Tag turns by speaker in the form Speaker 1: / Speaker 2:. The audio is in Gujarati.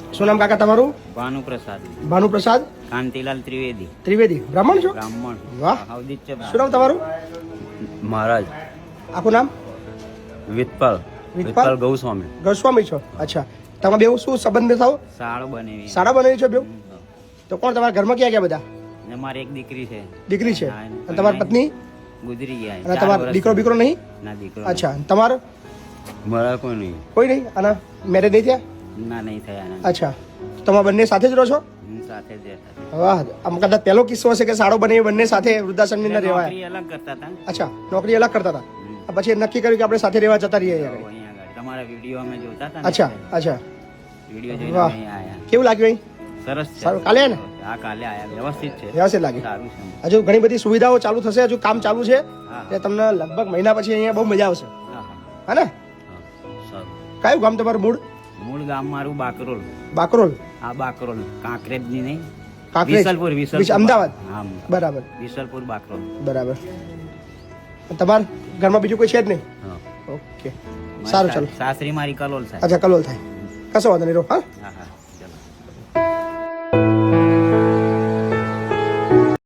Speaker 1: શું નામ કાકા તમારું?
Speaker 2: ભાનુપ્રસાદ.
Speaker 1: ભાનુપ્રસાદ
Speaker 2: કાંતિલાલ ત્રિવેદી.
Speaker 1: ત્રિવેદી. બ્રાહ્મણ છો?
Speaker 2: બ્રાહ્મણ.
Speaker 1: વાહ.
Speaker 2: અવધિત છે.
Speaker 1: શું નામ તમારું?
Speaker 2: મહારાજ.
Speaker 1: આખું નામ?
Speaker 2: વિઠ્ઠલ. વિઠ્ઠલ ગૌસ્વામી.
Speaker 1: ગોસ્વામી છો? અચ્છા. તમે બેવ શું સંબંધ થાવ?
Speaker 2: શાળો બનેવી.
Speaker 1: સાડા બનાવી છો બેવ? તો કોણ તમારા ઘરમાં ક્યાં ગયા બધા?
Speaker 2: ને મારી એક દીકરી છે.
Speaker 1: દીકરી છે.
Speaker 2: હા,
Speaker 1: અને તમારી પત્ની?
Speaker 2: ગુજરી ગયા.
Speaker 1: અને તમારો દીકરો બીકરો નહીં?
Speaker 2: ના દીકરો.
Speaker 1: અચ્છા. તમારો?
Speaker 2: મારા કોઈ નહીં.
Speaker 1: કોઈ નહીં? અને મેરેજ નહીં થયા?
Speaker 2: ના નહીં થયા ના.
Speaker 1: અચ્છા. તમે બંને સાથે જ રહો છો?
Speaker 2: સાથે જ રહેતા.
Speaker 1: વાહ. આમ કદાચ પહેલો કિસ્સો હશે કે સાડો બને બંને સાથે વૃદ્ધાશ્રમની અંદર રહેવાય.
Speaker 2: નોકરી અલગ કરતા હતા.
Speaker 1: અચ્છા. નોકરી અલગ કરતા હતા. પછી નક્કી કર્યું કે આપણે સાથે રહેવા જતા રહીએ યાર.
Speaker 2: અહીંયા આગળ તમારા વિડીયો અમે જોતા હતા.
Speaker 1: અચ્છા. અચ્છા.
Speaker 2: વિડીયો જોઈને
Speaker 1: વાહ.
Speaker 2: અહીં આયા.
Speaker 1: કેવું લાગ્યું અહીં?
Speaker 2: સરસ છે.
Speaker 1: સારું. કાલે ને
Speaker 2: આ કાલે આયા. વ્યવસ્થિત છે.
Speaker 1: વ્યવસ્થિત લાગ્યું.
Speaker 2: સારું છે.
Speaker 1: હજુ ઘણી બધી સુવિધાઓ ચાલુ થશે, હજુ કામ ચાલુ છે.
Speaker 2: હા.
Speaker 1: એટલે તમને લગભગ મહિના પછી અહીંયા બહુ મજા આવશે.
Speaker 2: હા હા.
Speaker 1: હા ને?
Speaker 2: હા. સારું.
Speaker 1: કયું ગામ તમારું મૂળ?
Speaker 2: મૂળ ગામ મારું બાકરોલ.
Speaker 1: બાકરોલ.
Speaker 2: આ બાકરોલ કાંકરેજની નહીં.
Speaker 1: કાંકરેજ.
Speaker 2: વિસલપુર.
Speaker 1: અમદાવાદ.
Speaker 2: હા
Speaker 1: બરાબર.
Speaker 2: વિસલપુર બાકરોલ.
Speaker 1: બરાબર. તમારા ઘરમાં બીજું કોઈ છે જ નહીં?
Speaker 2: હા.
Speaker 1: ઓકે. સારું ચાલો.
Speaker 2: સાસરી મારી કલોલ થાય.
Speaker 1: અચ્છા. કલોલ થાય. કશો વાંધો નહીં. રહો. હા.
Speaker 2: હા હા.